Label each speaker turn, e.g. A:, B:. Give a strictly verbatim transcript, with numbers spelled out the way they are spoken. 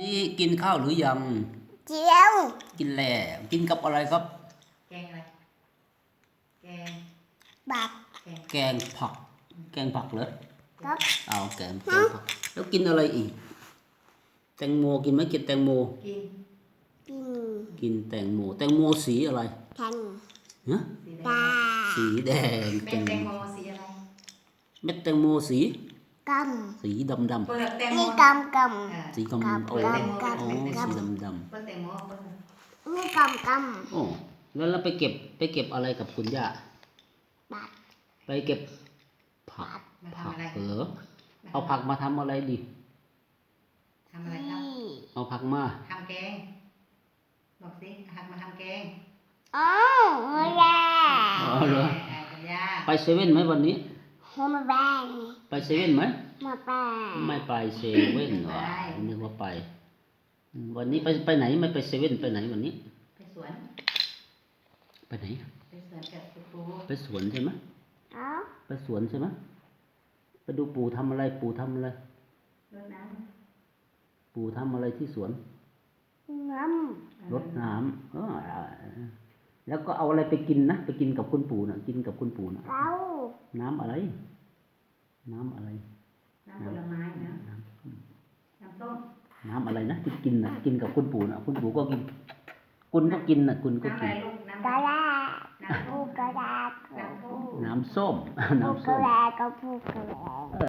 A: นี่กินข้าวหรือยัง
B: เจียว
A: กินแล้วกินกับอะไรครับ
C: แกงอะไรแกง
B: บัก
C: แกง
A: แกงผัก แกงผักเหรอ
B: ครับ
A: เอาแกงแกงผักแล้วกินอะไรอีก แตงโมกินไหมกินแตงโม
C: กิน
B: กิน
A: กินแตงโมแตงโมสีอะไร
B: แทง
A: ฮะ
C: สีแด
B: ตาง
A: สีแดง
C: เม็ดแตงโมสีอะไร
A: เม็ดแตงโมสี
B: ก
A: สีดำด
C: เปลือกแตง
B: ำ
C: โม
B: นี่กำก
C: อ่า
A: ำสีกำ
B: ครับ
A: โอ้
B: ครับครับ
A: โอ้
B: ครับ
A: สีดำด
C: เปลือกแตงโมเปลือก
B: ำนี่กำก
A: ำโอ้แล้วเราไปเก็บไปเก็บอะไรกับคุณย่า
B: ำบัก
A: ไปเก็บผัก
C: มา
A: ผัก
C: ทำอะไร
A: เหรอเอาผักมาทำอะไรดี
C: ทำอะไรครับ
B: นี่
A: เอาผักมา
C: ทำแกงบอกสิหักมาทำแกง
B: อ๋อหัวแดง
A: อ๋อเหรอ
C: อ่ากันยา
A: ไปเซเว่นไหมวันนี้
B: หัวแดง
A: ไปเซเว่นไหม
B: มาแปง
A: ไม่ไปเซเว่นหรอนึกว่าไปอืมวันนี้ไปไปไหนไม่ไปเซเว่นไปไหนวันนี้
C: ไปสวน
A: ไปไหน
C: ไปสวนกับครู
A: ไปสวนใช่ไหม
B: เอ้า
A: ไปสวนใช่ไหมไปดูปู่ทำอะไรปู่ทำอะไร
C: รดน้
A: ปู่ทำอะไรที่สวน
B: น้
C: ำ
A: รดน้ำเออแล้วก็เอาอะไรไปกินนะไปกินกับคุณปู่นะกินกับคุณปู่นะ
B: ำเต้า
A: น้ำอะไร น้ำอะไร
C: น้ำผลไม้นะ
A: น้
C: น้ำต้ม
A: ำน้ำอะไรนะที่กินนะกินกับคุณปู่นะคุณปู่ก็กิน คุณก็กินนะคุณก็
C: น้ำอะ
A: กิ
C: ไร
A: น
C: ลูกน้ำ
B: กระดาษ
C: น้ำ
B: ผู้
C: ต้ม
B: กระดาษ
C: น้ำต้ม
A: น้ำส้ม
B: ผู้
A: น้ำ
B: ก
A: ส้
B: ระ
A: ม
B: ดาษก็ผู้กระดาษ